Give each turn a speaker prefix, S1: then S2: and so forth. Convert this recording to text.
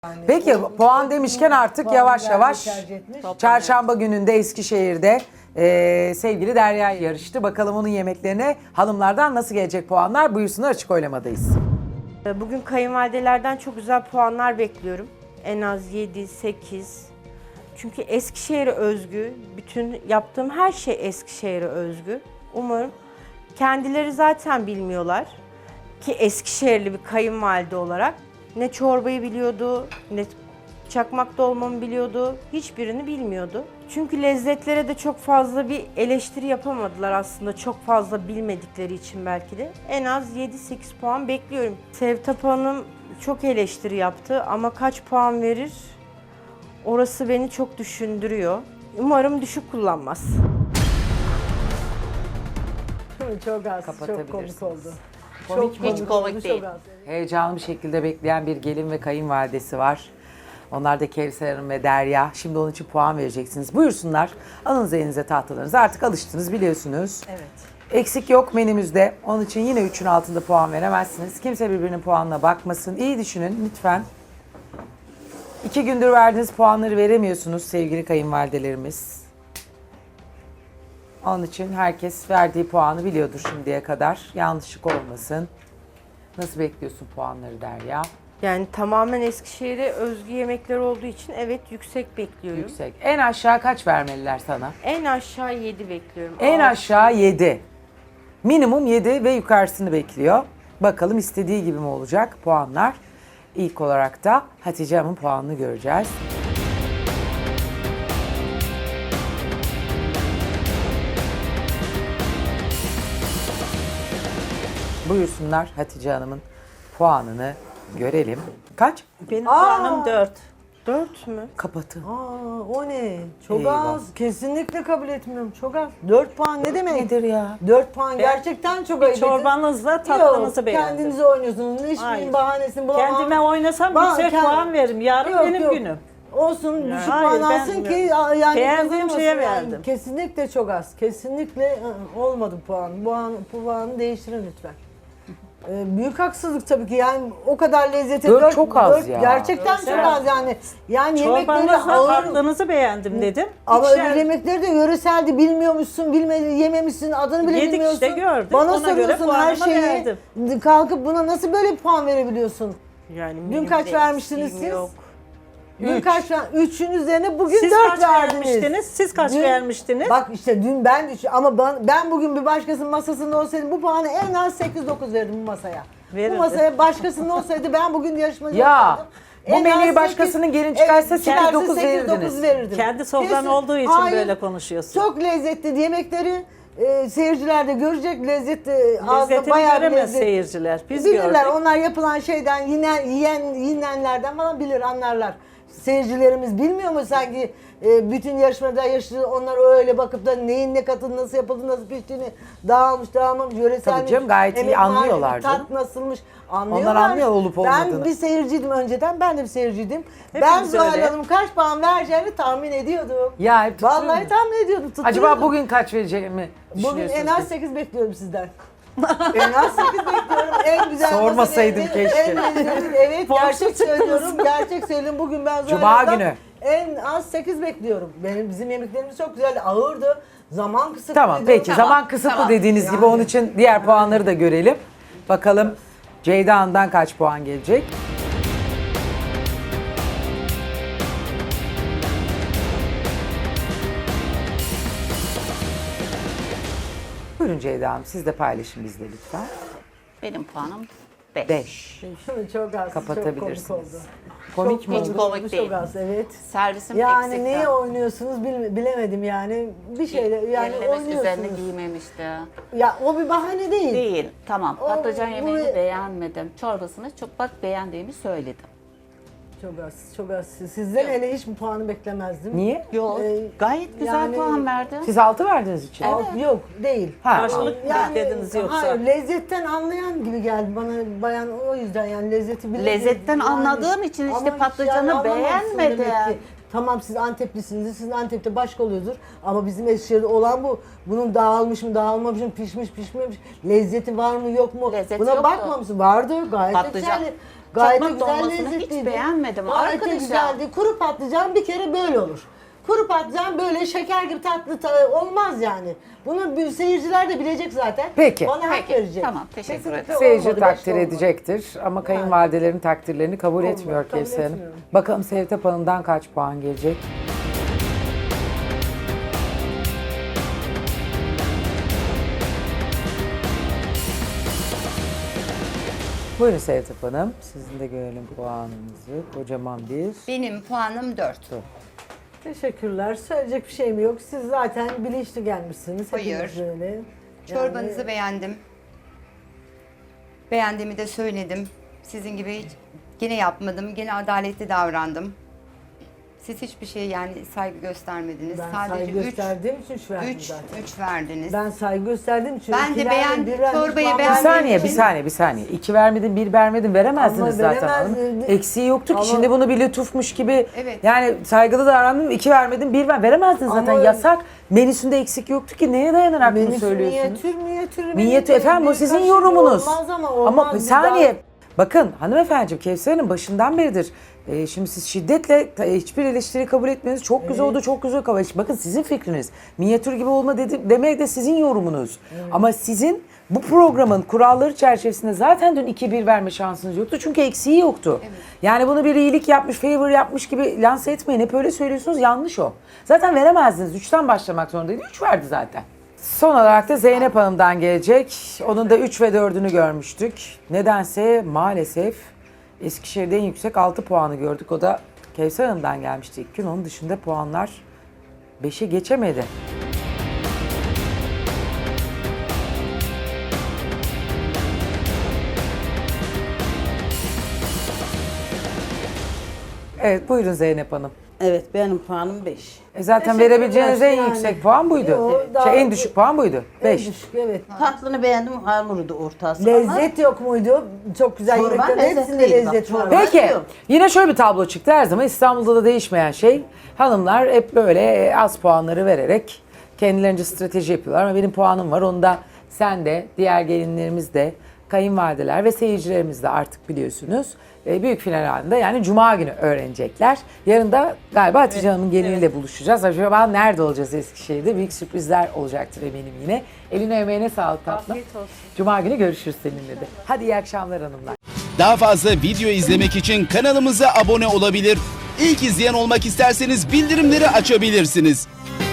S1: Peki puan demişken artık yavaş yavaş çarşamba gününde Eskişehir'de sevgili Derya yarıştı. Bakalım onun yemeklerine hanımlardan nasıl gelecek puanlar? Buyursunlar, açık oylamadayız.
S2: Bugün kayınvalidelerden çok güzel puanlar bekliyorum. En az 7, 8. Çünkü Eskişehir'e özgü. Bütün yaptığım her şey Eskişehir'e özgü. Umarım kendileri zaten bilmiyorlar ki Eskişehirli bir kayınvalide olarak ne çorbayı biliyordu, ne çakmak dolmamı biliyordu, hiçbirini bilmiyordu. Çünkü lezzetlere de çok fazla bir eleştiri yapamadılar aslında, çok fazla bilmedikleri için belki de. En az 7-8 puan bekliyorum. Sevtap Hanım çok eleştiri yaptı ama kaç puan verir? Orası beni çok düşündürüyor. Umarım düşük kullanmaz.
S3: Çok az, çok
S1: Kapatabilirsiniz.
S3: komik oldu.
S4: Hiç komik
S3: oldu,
S4: değil.
S3: çok az.
S1: Heyecanlı bir şekilde bekleyen bir gelin ve kayınvalidesi var. Onlar da Kevser Hanım ve Derya. Şimdi onun için puan vereceksiniz. Buyursunlar. Alınız elinize tahtalarınızı. Artık alıştınız, biliyorsunuz.
S3: Evet.
S1: Eksik yok menümüzde. Onun için yine 3'ün altında puan veremezsiniz. Kimse birbirinin puanına bakmasın. İyi düşünün lütfen. 2 gündür verdiğiniz puanları veremiyorsunuz sevgili kayınvalidelerimiz. Onun için herkes verdiği puanı biliyordur şimdiye kadar. Yanlışlık olmasın. Nasıl bekliyorsun puanları Derya?
S2: Yani tamamen Eskişehir'e özgü yemekler olduğu için evet yüksek bekliyorum.
S1: Yüksek. En aşağı kaç vermeliler sana?
S2: En aşağı 7 bekliyorum.
S1: En
S2: Altı.
S1: aşağı 7. Minimum 7 ve yukarısını bekliyor. Bakalım istediği gibi mi olacak puanlar? İlk olarak da Hatice Hanım'ın puanını göreceğiz. Buyursunlar, Hatice Hanım'ın puanını görelim. Kaç?
S3: Benim puanım 4.
S2: 4 mü?
S1: Kapatın.
S3: O ne? Çok
S1: Eyvah.
S3: az. Kesinlikle kabul etmiyorum. Çok az. 4 puan ne demek?
S1: Nedir ya?
S3: 4 puan gerçekten çok ayıp.
S5: Çorbanızla tatlınızı
S3: Yok,
S5: beğendim.
S3: kendinize oynuyorsunuz. Hiçbir
S5: Hayır.
S3: bahanesini bulamam.
S5: Kendime oynasam
S3: Bak,
S5: yüksek puan veririm. Yarın
S3: Yok,
S5: benim
S3: yok.
S5: günüm.
S3: Olsun, düşük
S5: Hayır,
S3: puan
S5: ben
S3: alsın ki
S5: bilmiyorum.
S3: yani
S5: Beğendiğim
S3: kazanmasın
S5: şeye
S3: yani.
S5: verdim.
S3: Kesinlikle çok az. Kesinlikle olmadı puan. Bu puanı değiştirin lütfen. Büyük haksızlık tabii ki, yani o kadar lezzeti.
S1: Dört çok az ya.
S3: Gerçekten çok az yani. Yani yemekleri
S5: Çorbanızla
S3: ağır.
S5: tatlınızı beğendim dedim.
S3: Ama
S5: İkişer-
S3: öbür yemekleri de yöreseldi, bilmiyormuşsun, yememişsin, adını bile
S5: Yedik
S3: bilmiyorsun.
S5: işte, gördük.
S3: Bana
S5: Ona göre
S3: soruyorsun her
S5: puanımı
S3: şeyi.
S5: verdim.
S3: Kalkıp buna nasıl böyle bir puan verebiliyorsun?
S2: Yani
S3: Dün kaç
S2: menümde
S3: vermiştiniz
S2: eksiğim
S3: siz?
S2: yok.
S3: Dün kaç? 3'ün üzerine bugün
S5: Siz
S3: 4
S5: kaç
S3: verdiniz.
S5: vermiştiniz? Siz kaç
S3: Dün-
S5: vermiştiniz?
S3: Bak işte dün ben ama ben bugün bir başkasının masasında olsaydım bu puanı en az 8-9 verdim bu masaya.
S5: Verirdi.
S3: Bu masaya başkasının olsaydı, ben bugün yarışmacı
S1: Ya,
S3: olsaydım.
S1: bu
S3: en
S1: menüyü
S3: az
S1: başkasının gelin çıkarsa
S3: evet, çıkarsa
S1: 8-9 verirdiniz.
S3: verirdim.
S5: Kendi sofran
S3: Kesin.
S5: olduğu için
S3: Hayır,
S5: böyle konuşuyorsun.
S3: çok lezzetli yemekleri seyirciler de görecek, lezzetli ağızda
S5: Lezzetini
S3: bayağı bir
S5: göremez
S3: lezzet.
S5: seyirciler. Biz
S3: Bilirler,
S5: gördük.
S3: onlar yapılan şeyden yinenlerden falan bilir, anlarlar. Seyircilerimiz bilmiyor mu sanki bütün yarışmada yaşlı, onlar öyle bakıp da neyin ne katını, nasıl yapıldı, nasıl piştiğini, dağılmış dağılmamış, yöresel
S1: Tabii canım, gayet iyi
S3: emek
S1: anlıyorlar
S3: maliyeti,
S1: canım.
S3: tat nasılmış anlıyorlar.
S1: Onlar anlıyor olup olmadığını.
S3: Ben bir seyirciydim önceden, ben de bir seyirciydim.
S5: Hepimiz
S3: Ben Zuhal
S5: öyle.
S3: Hanım kaç puan vereceğini tahmin ediyordum.
S1: Ya hep tutturuyor
S3: Vallahi
S1: mu?
S3: tahmin ediyordum.
S1: Acaba
S3: tutturuyordum.
S1: bugün kaç vereceğimi
S3: Bugün
S1: düşünüyorsunuz?
S3: en az
S1: ki?
S3: 8 bekliyorum sizden. En az 8 bekliyorum. En güzel
S1: Sormasaydım
S3: masa
S1: keşke.
S3: En lezzetli, evet, gerçek söylüyorum. Gerçek söylüyorum. Bugün ben
S1: Cuma
S3: Zuhal'dan
S1: günü.
S3: en az 8 bekliyorum. Bizim yemeklerimiz çok güzeldi. Ağırdı. Zaman kısıtlı.
S1: Tamam peki, zaman kısıtlı dediğiniz gibi onun için diğer puanları da görelim. Bakalım Ceyda Hanım'dan kaç puan gelecek? Buyurun Ceyda Hanım, siz de paylaşın bizle lütfen.
S4: Benim puanım 5.
S1: 5.
S3: Çok az.
S1: Kapatabilirsiniz.
S3: Çok komik oldu.
S1: Komik mi
S4: Hiç
S1: oldu?
S4: komik
S3: Çok
S4: değil.
S3: az, evet.
S4: Servisim
S3: Yani
S4: eksikti.
S3: neye oynuyorsunuz bilemedim yani. Bir şeyle yani
S4: Ellemesi üzerine
S3: oynuyorsunuz.
S4: giymemişti.
S3: Ya o bir bahane değil.
S4: Değil. Tamam.
S3: O-
S4: Patlıcan yemeğini
S3: bu-
S4: beğenmedim. Çorbasını çok beğendiğimi söyledim.
S3: Çok az, çok az. Sizden hele hiç bu puanı beklemezdim.
S1: Niye?
S4: Yok.
S3: Ee,
S4: Gayet güzel
S3: yani-
S4: puan verdim.
S1: Siz 6 verdiniz için.
S3: Yok, değil.
S1: Ha.
S5: Karşılık mı beklediniz yoksa?
S3: Hayır, lezzetten anlayan gibi geldi bana bayan, o yüzden yani lezzeti bile.
S4: Lezzetten anladığım için işte
S3: Ama
S4: patlıcanı
S3: anlamamışsın
S4: beğenmedim.
S3: demek ki. Tamam, siz Anteplisiniz, sizin Antep'te başka oluyordur ama bizim Eskişehir'de olan bu. Bunun dağılmış mı, dağılmamış mı, pişmiş, pişmemiş, lezzeti var mı, yok mu?
S4: Lezzeti
S3: Buna
S4: yoktu.
S3: bakmamışsın. Vardı, gayet
S4: Patlıcan.
S3: yeterli. Gayet de
S4: Çakmak
S3: güzel
S4: dolmasını hiç
S3: lezzetliydi.
S4: beğenmedim
S3: Gayet de
S4: arkadaşlar.
S3: güzeldi. Kuru patlıcan bir kere böyle olur. Kuru patlıcan böyle şeker gibi tatlı olmaz yani. Bunu seyirciler de bilecek zaten.
S1: Peki.
S3: Bana hak
S4: Peki,
S3: verecek.
S4: tamam, teşekkür
S3: Kesinlikle
S4: ederim.
S1: Seyirci
S3: olmadı,
S1: takdir
S3: beş olmadı.
S1: edecektir ama kayınvalidelerin takdirlerini kabul etmiyor
S3: kabul
S1: Kevser Hanım.
S3: etmiyorum.
S1: Bakalım Sevtep Hanım'dan kaç puan gelecek? Buyurun Sevtep Hanım. Sizin de görelim puanınızı. Kocaman bir.
S6: Benim puanım 4.
S3: Teşekkürler. Söyleyecek bir şeyim yok. Siz zaten bilinçli gelmişsiniz.
S6: Hayır.
S3: Hepiniz öyle.
S6: Çorbanızı beğendim. Beğendiğimi de söyledim. Sizin gibi hiç gene yapmadım. Gene adaletli davrandım. Siz hiçbir şeye yani saygı göstermediniz.
S3: Ben
S6: Sadece
S3: saygı gösterdiğim için 3 verdim
S6: 3
S3: zaten.
S6: 3 verdiniz.
S3: Ben saygı gösterdiğim için.
S6: Ben de
S3: ikiler,
S6: beğendim.
S3: bir vermiş,
S6: Çorbayı
S3: puan
S1: Bir
S6: beğendim.
S3: vermedim.
S1: saniye, bir saniye. 2 vermedin, 1 vermedin veremezdiniz
S3: Ama
S1: zaten hanım.
S3: veremez-
S1: Eksiği yoktu ki.
S3: Ama-
S1: Şimdi bunu bir lütufmuş gibi
S6: Evet.
S1: yani saygılı davrandım, 2 vermedin, 1 veremezdin zaten.
S3: Ama-
S1: Yasak. Menüsünde eksik yoktu ki. Neye dayanarak bunu
S3: Menüsü
S1: söylüyorsunuz?
S3: minyatür.
S1: Minyatür efendim o
S3: bir
S1: sizin
S3: kaşık
S1: yorumunuz.
S3: Olmaz ama olmaz.
S1: bir
S3: Bir
S1: saniye.
S3: daha-
S1: Bakın hanımefendiciğim Kevser Hanım başından beridir. Şimdi siz şiddetle hiçbir eleştiri kabul etmeniz çok güzel oldu, çok güzel kabul. Bakın sizin fikriniz. Minyatür gibi olma demek de sizin yorumunuz. Ama sizin bu programın kuralları çerçevesinde zaten dün 2-1 verme şansınız yoktu. Çünkü eksiği yoktu. Yani bunu bir iyilik yapmış, favor yapmış gibi lanse etmeyin. Hep öyle söylüyorsunuz. Yanlış o. Zaten veremezdiniz. 3'ten başlamak zorundaydı. 3 verdi zaten. Son olarak da Zeynep Hanım'dan gelecek. Onun da 3 ve 4'ünü görmüştük. Nedense maalesef Eskişehir'de en yüksek 6 puanı gördük. O da Kevser Hanım'dan gelmişti ilk gün. Onun dışında puanlar 5'e geçemedi. Evet buyurun Zeynep Hanım.
S7: Evet benim puanım 5.
S1: Zaten
S3: Teşekkürler
S1: verebileceğiniz en
S3: yani.
S1: yüksek puan buydu.
S3: Yo, daha-
S1: en düşük puan buydu. 5.
S3: En düşük, evet.
S7: Tatlını beğendim, hamuru ortası.
S3: Lezzet yok muydu? Çok güzel
S7: Çorba
S3: yemeklerin hepsinde
S7: lezzetliydi bak,
S3: lezzet var.
S7: çorba.
S1: Peki
S7: Yok.
S1: yine şöyle bir tablo çıktı her zaman İstanbul'da da değişmeyen şey. Hanımlar hep böyle az puanları vererek kendilerince strateji yapıyorlar ama benim puanım var. Onu da sen de diğer gelinlerimiz de kayınvalideler ve seyircilerimiz de artık biliyorsunuz. Büyük final halinde yani Cuma günü öğrenecekler. Yarın da galiba Hatice Hanım'ın geliniyle buluşacağız. Acaba nerede olacağız Eskişehir'de? Büyük sürprizler olacaktır eminim yine. Eline emeğine sağlık tatlım. Cuma günü görüşürüz seninle de. Hadi iyi akşamlar hanımlar.
S8: Daha fazla video izlemek için kanalımıza abone olabilir. İlk izleyen olmak isterseniz bildirimleri açabilirsiniz.